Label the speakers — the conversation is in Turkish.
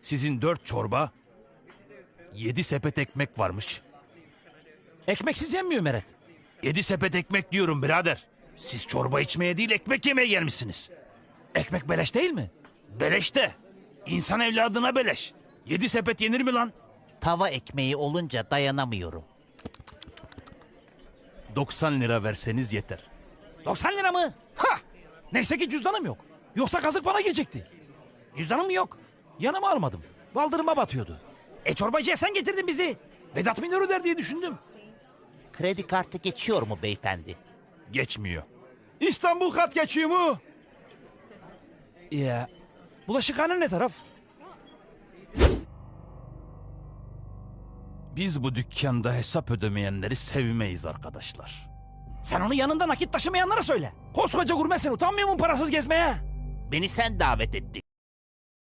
Speaker 1: Sizin 4 çorba, 7 sepet ekmek varmış.
Speaker 2: Ekmeksiz yenmiyor Meret.
Speaker 1: 7 sepet ekmek diyorum birader. Siz çorba içmeye değil ekmek yemeye gelmişsiniz.
Speaker 2: Ekmek beleş değil mi?
Speaker 1: Beleş de. İnsan evladına beleş. 7 sepet yenir mi lan?
Speaker 3: Tava ekmeği olunca dayanamıyorum.
Speaker 1: 90 lira verseniz yeter.
Speaker 2: 90 lira mı? Ha! Neyse ki cüzdanım yok. Yoksa kazık bana gelecekti. Cüzdanım mı yok? Yanıma almadım. Baldırıma batıyordu. Çorbacıya sen getirdin bizi. Vedat Minör öder diye düşündüm.
Speaker 3: Kredi kartı geçiyor mu beyefendi?
Speaker 1: Geçmiyor.
Speaker 2: İstanbul kat geçiyor mu? Ya. Bulaşıkhane ne taraf?
Speaker 1: Biz bu dükkanda hesap ödemeyenleri sevmeyiz arkadaşlar.
Speaker 2: Sen onu yanında nakit taşımayanlara söyle. Koskoca gurmesin, utanmıyor musun parasız gezmeye?
Speaker 3: Beni sen davet ettin.